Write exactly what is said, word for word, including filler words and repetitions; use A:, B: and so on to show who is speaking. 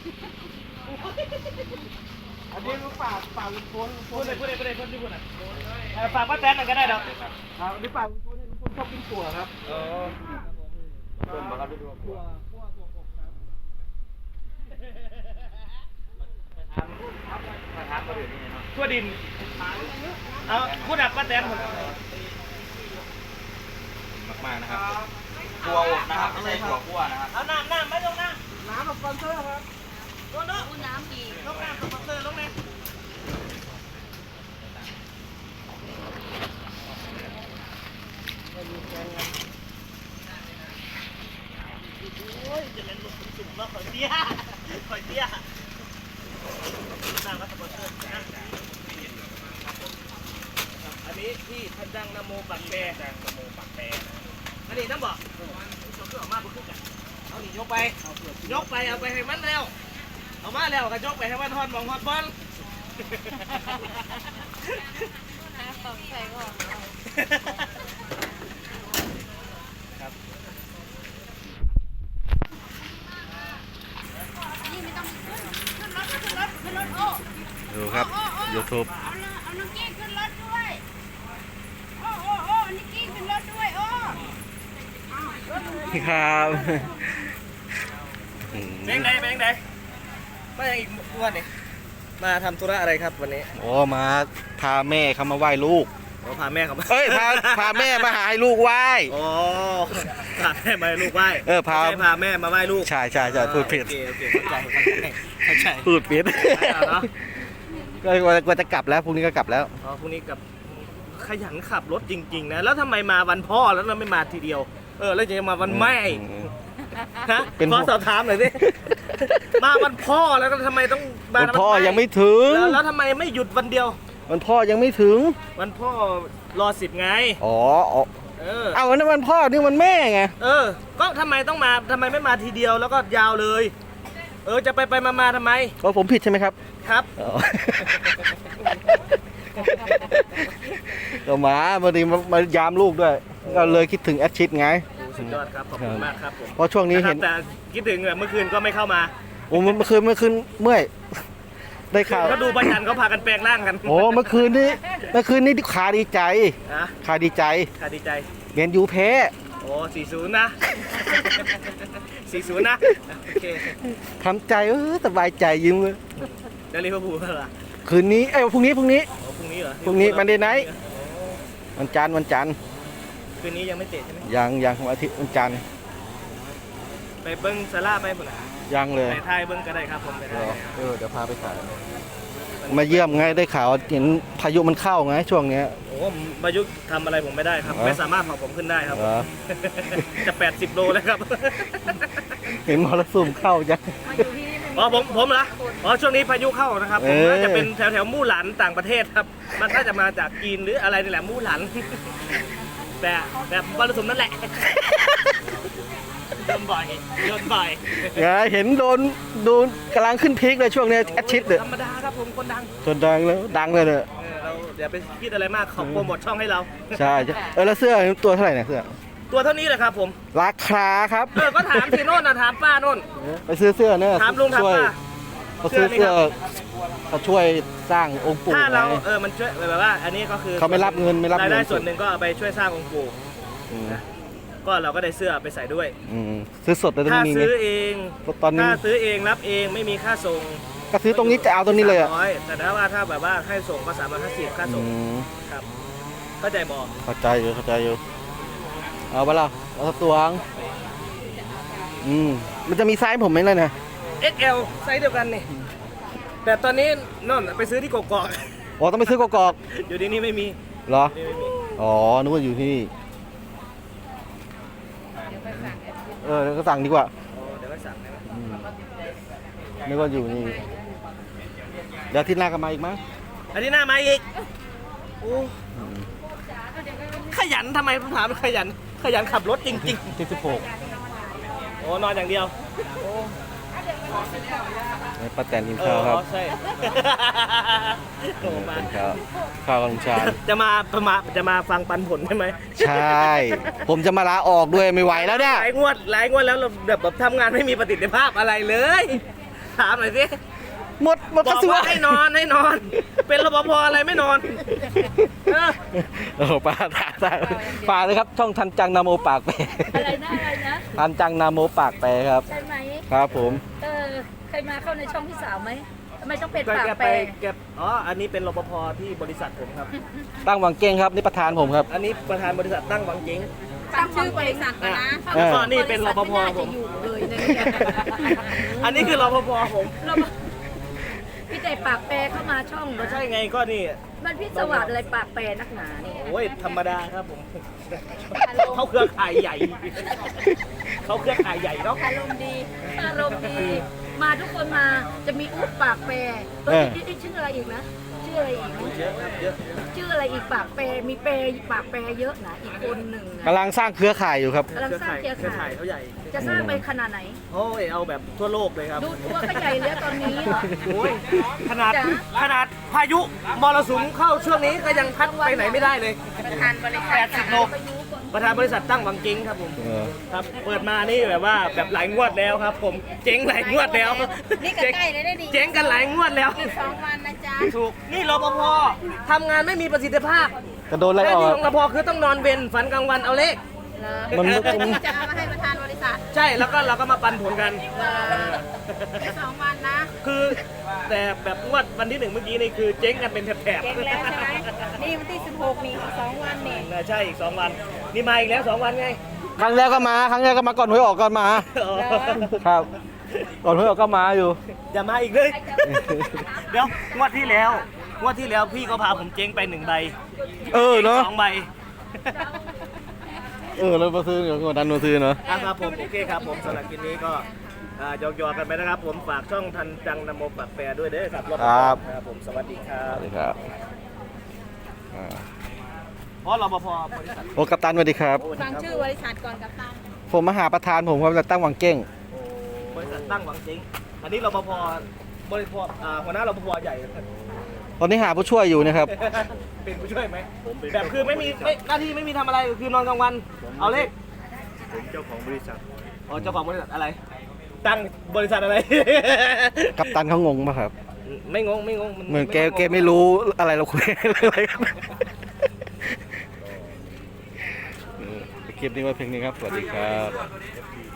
A: อันนี้ลูกป่าป่าลุงพลพูดเลยพูดเลยพูดเลยพูดที่พูดอ่ะ
B: ฝากป้าแตนหน่อยก็ได้ดอก
A: ครับอันนี้ป่าลุงพลเนี่ยลุงพลชอบกินถั่วครับ
B: เออต้มมาครับถั่วถั่ว
A: คั่วถั่วอบครับ
B: มาทำมาถึงนี่เนาะทั่วดินเอาพูดแบบป้าแตนผมมากๆนะครับถั่วอบนะครับไม่ใช่ถั่วคั่วนะครับเอาน้ำน้ำไม่ลงน้ำ
A: น้ำกับสปอนเซอร์ครับ
B: ลงเนาะน้ำดีลงน้ำกับสปอนเซอร์ลงเลยโอ้ยจะเล่นลูกจุ่มแล้วข่อยเตี้ยข่อยเตี้ยน้ำกับสปอนเซอร์นะอันนี้ที่ท่านดังนโมปักแปรดังนโมปักแปรอันนี้น้ำบ่สมเพื่อออกมาบุกกันเอาหนียกไปยกไปเอาไปให้มันแล้วเอามาแล้วก็ยกไปให้มันฮอดมองฮอดบอล
C: ตกใจก่อน
B: ครับ
C: นี่ไม่ต้องขึ้นขึ้นรถขึ้นรถขึ้นรถโอ้
D: ดูครับ YouTube
C: เอาเอาน้องกี้ขึ้นรถด้วยโอ้โอ้โอ้นิกกี้ขึ้นรถด้วยโอ้
D: ครับ
B: แบงค์ไหนแบงค์ไหนมาอย่างอีกวันนี้มาทำธุระอะไรครับวันนี้
D: โอ้มาพาแม่เขามาไหว้ลูก
B: อ๋อพาแม่เขามา
D: เอ้ยพาพาแม่มาหาให้ลูกไหว้
B: อ๋อพาแม่มาให้ลูกไหว้
D: เออพา
B: พาแม่มาไหว้ลูก
D: ใช่ใช่ใช่พูดผิด
B: โอเคโอเคเข้าใจเข้าใจ
D: พูดผิดก็กว่าจะกลับแล้วพรุ่งนี้ก็กลับแล้ว
B: อ๋อพรุ่งนี้กับขยันขับรถจริงๆนะแล้วทำไมมาวันพ่อแล้วเราไม่มาทีเดียวเออแล้วจะมาวันแม่ฮะขอสอบถามหน่อยสิมาวันพ่อแล้วก็ทำไมต้องมา
D: วันพ่อยังไม่ถึง
B: แล้วทำไมไม่หยุดวันเดียว
D: วันพ่อยังไม่ถึง
B: วันพ่อรอสิบไง
D: อ๋อ
B: เออ
D: เอาวันนั้นวันพ่อนี่วันแม่ไง
B: เออก็ทำไมต้องมาทำไมไม่มาทีเดียวแล้วก็ยาวเลยเออจะไปไปมามาทำไม
D: ก็ผมผิดใช่ไหมครับ
B: ครับ
D: ก็มาพอดีมายามลูกด้วยก็เลยคิดถึงแอดชิดไง
B: สุดยอดครับขอบคุณมากครับผม
D: เพราะช่วงนี้เห็น
B: แต่คิดถึงเมื่อคืนก็ไม่เข้ามา
D: โอ้เมื่อคืนเมื่อคืนเมื่อยได้ข่าว
B: เขาดูประจันเขาพากันแปลงร่างกัน
D: โอ้เมื่อคืนนี้เมื่อคืนนี้ขาดีใจขาดีใจ
B: ขาดีใจ
D: เรียนยูแพ้
B: โอ้สี่ศูนย์นะสี่ศูนย์นะโอเค
D: ทำใจเออสบายใจยิ้มเลย
B: จะรีบพูดเหรอ
D: คืนนี้เอ้ยพรุ่งนี้พรุ่งนี้
B: พรุ่งนี้เหรอ
D: พรุ่งนี้มันเดย์ไนท์วันจันทร์วันจันทร์
B: คืนนี้ยังไม่เตะใช่ไหม
D: ยังยังวันอาทิตย์วันจันทร์
B: ไปเบิ้งซาร่าไปเบิ้ง
D: ยังเลย
B: ไปถ่ายเบิ้งก็ได้ครับผมไปถ่าย
D: เออเดี๋ยวพาไปถ่ายมาเยี่ยมไงได้ข่าวเห็นพายุมันเข้าไงช่วงนี้
B: โอ้พายุทำอะไรผมไม่ได้ครับไม่สามารถเผาผมขึ้นได้ครับจะแปดสิบโลแล้วครับ
D: เห็นมรสุมเข้าจัง
B: อ๋อผมผมเหรออ๋อช่วงนี้พายุเข้านะครับผมน่าจะเป็นแถวแถวมู่หลานต่างประเทศครับมันน่าจะมาจากจีนหรืออะไรนี่แหละมู่หลานแต่แบบมรสุมนั่นแหละโดนบ่อยโดนบ่อย
D: ไงเห็นโดนโดนกำลังขึ้นพีคเลยช่วงนี้แอดชิดเลย
B: ธรรมดาครับผมคนดัง
D: คนดังแล้วดังเลยเนี่ย
B: เราอย่าไปคิดอะไรมากขอโปรโมทช่องให้เรา
D: ใช่เออแล้วเสื้อตัวเท่าไหร่เนี่ยเสื้อ
B: ตัวเท่านี้แหละครับผม
D: ราคาครับ
B: เออก็ถามสิโน่นนะถามป้าโน่น
D: ไปซื้อเสื้อเนี่ย
B: ถามลุงถามป้า
D: เขาซื้อเสื้อเขาช่วยสร้างองค์ปู่
B: ถ้าเราเออมันช่วยแบบว่าอันนี้ก็คือ
D: เขาไม่รับเงินไม่รับ
B: รายได้ส่วนหนึ่งก็เอาไปช่วยสร้างองค์ปู่ก็เราก็ได้เสื้อไปใส่ด้วย
D: ซื้อสดเลยตรงนี้
B: ถ้าซื้อเอง
D: ตอนนี้
B: ถ้าซื้อเองรับเองไม่มีค่าส่ง
D: ก็ซื้อตรงนี้จะเอาตรงนี้เลยอ่ะ
B: แต่ถ้าว่าถ้าแบบว่าให้ส่งก็สามร้อยห้าสิบค่าส่งครับเข้าใจบอก
D: เข้าใจอยู่เข้าใจอยู่เอาไปละเอาตัวงอืมมันจะมีไซส์ผมไหมล่ะเนี่ย
B: เอ็กซ์ แอล ไซส์เดียวกันนี่แต่ตอนนี้นั่นไปซื้อที่กกอก
D: อ๋อต้องไปซื้อกกอก
B: อยู่ที่นี่ไม่มี
D: เหรออ๋อนึกว่าอยู่ที่นี่เออเดี๋ยวก็สั่งดีกว่า
B: เดี๋ยวก็สั่งได้ไหม
D: นึกว่าอยู่นี่เดี๋ยวที่หน้าก็มาอีกมั้ง
B: อาทิตย์หน้ามาอีกโอ้ขยันทำไมผมถามขยันขยันขับรถจริงๆ
D: ที่สิบหก
B: โอ้นอนอย่างเดียว
D: ป้าแตนกินข้าวครับ
B: ใช่
D: มาข้าวข้าวกับลุงชาญ
B: จะมามาจะมาฟังปันผลใช่ไหม
D: ใช่ผมจะมาลาออกด้วยไม่ไหวแล้วเนี่ย
B: หลายงวดหลายงวดแล้วเราแบบทำงานไม่มีประสิทธิภาพอะไรเลยถามหน่อยสิ
D: หมดหมด
B: บ
D: ก
B: อ
D: ระ
B: ก
D: ทรวง
B: ว่าให้นอนให้นอน เป็นรปภอะไรไม่นอนเออ
D: โอ้โหปลาตาตาปลาเลยครับ ช่องทันจังนาโมปากแปร
C: อะไรนะอะไรนะ
D: ทันจังนาโมปากแปรครับ
C: ใช่ไหม
D: ครับผม
C: เออเคยมาเข้าในช่องพี่สาวไหมทำไมต้องเป็น
B: แก
C: ปาก
B: แก
C: แป
B: ไป
C: ร
B: แกอ๋ออันนี้เป็นรปภที่บริษัทผมครับ
D: ตั้งวังเก้งครับนี่ประธานผมครับ
B: อันนี้ประธานบริษัทตั้งวังเจ๊ง
C: ตั้งชื่อบริษัทก่อนนะ
B: แล้วก็นี่เป็นรปภผม
C: อยู่เลยนะ
B: อันนี้คือรปภผม
C: เราพี่แต่ปากแปรเข้ามาช่อง
B: ก็ใช่ไงก็นี่
C: มันพี่สวัสดิ์อะไรปากแปรนักหนานี่
B: โอ้ยธรรมดาครับผมเขาเครือข่ายใหญ่เขาเครือข่ายใหญ่เนาะ
C: อารมณ์ดีอารมณ์ดี มาทุกคนมาจะมีอุ๊บปากแปรเออชื่ออะไรอีกนะชื่ออะไรอีกนะ
B: เยอะครับเยอะ
C: ชื่ออะไรอีกปากแปรมีแปรปากแปรเยอะนะอีกคนหนึ่งนะ
D: กำลังสร้างเครือข่ายอยู่ครับ
C: กำลัง
B: เครือ
C: สร้าง
B: ข่าย
C: เครือ
B: เครือข่า
C: ข่าย ย
B: เขาใหญ่
C: จะสร้างไปขนาดไหน
B: โอ้ยเอาแบบทั่วโลกเลยครับ
C: ดูตัวก็ใหญ่แล้วตอนนี้เหรอ
B: โอ้ยขนาดขนาดพายุมรสุมเข้าช่วงนี้ก็ยังพัดไปไหนไม่ได้เลย
C: ประธานบริษัท
B: แปดสิบโล ประธานบริษัทตั้งวังเจ๊งครับผม
D: เออ
B: ครับเปิดมานี่แบบว่าแบบหลายงวดแล้วครับ ผมเจ๊งหลายงวดแล้ว
C: นี่ก็ใกล้เลยได้ดี
B: เจ๊งกันหลายงวดแล้ว
C: อีกสองวันนะจ๊ะ
B: ถูกนี่รปภทำงานไม่มีประสิทธิภาพ
D: กระโดนไล่
B: หน้า
D: ออ
B: ที่
D: ก
B: ของรปภคือต้องนอนเวรฝันกลางวันเอาเลข
D: มัน
C: จะเอามาให้ประธานบริษัท
B: ใช่แล้วก็เราก็มาปันผลกัน
C: แค่สองวันนะ
B: คือแต่แบบงวดวันที่หนึ่งเมื่อกี้นี่คือเจ๊งกันเป็นแถบๆ
C: เก่งแล้วใช่ไหมนี่วันที่สิบหกนี่อีกสองวันนี่
B: น่าใช่อีกสองวัน นี่มาอีกแล้วสองวันไง
D: ครั้งแรกก็มา ครั้งแรกก็มาก่อนหวยออกก่อนมา ครับ ก่อนหวยออกก็มาอยู่
B: อย่ามาอีกเลย เดี๋ยวงวดที่แล้วงวดที่แล้วพี่ก็พาผมเจ๊งไปหนึ่งใบ
D: เออเนาะ
B: สองใบ
D: เออเรามาซื้อเดี๋ยวกดดันมาซื้อเนาะ
B: อ่ะครับผมโอเคครับผมสำหรับคลิปนี้ก็อ่าหยอกๆกันไปนะครับ ผมฝากช่องทันจังนโมปักแปรด้วยเด้อครับ
D: ครับ
B: ครับผมสวัสดีครั
D: ส
B: บ
D: วัสดีครับอ่า
B: เพราะรปภบริษัท
D: โอ้กัปตันสวัสดีครับ
C: ฟังชื่อบริษัทก่อนกับตัน
D: ผมมาหาประธานผมครับจะตั้งวังเก้ง
B: บริษัทตั้งหวังเจ๊งอันนี้รปภบริษัทอ่าหัวหน้ารปภใหญ่
D: ตอนนี้หาผู้ช่วยอยู่นะครับ
B: เป็นผู้ช่วยไหมแบบคือไม่มีไม่หน้าที่ไม่มีทำอะไรคือนอนกลางวัน เอาเลข
A: ผมเจ้าของบริษัท
B: อ๋อเจ้าของบริษัทอะไร ตั้งบริษัทอะไร
D: กัปตันเขางงป่ะครับ
B: ไม่งงไม่งง
D: เหมือนแกแกไม่รู้อะไรเราคุยอะไรกันเออคลิปนี้ไว้เพียงนี้ครับ สวัสดีครับ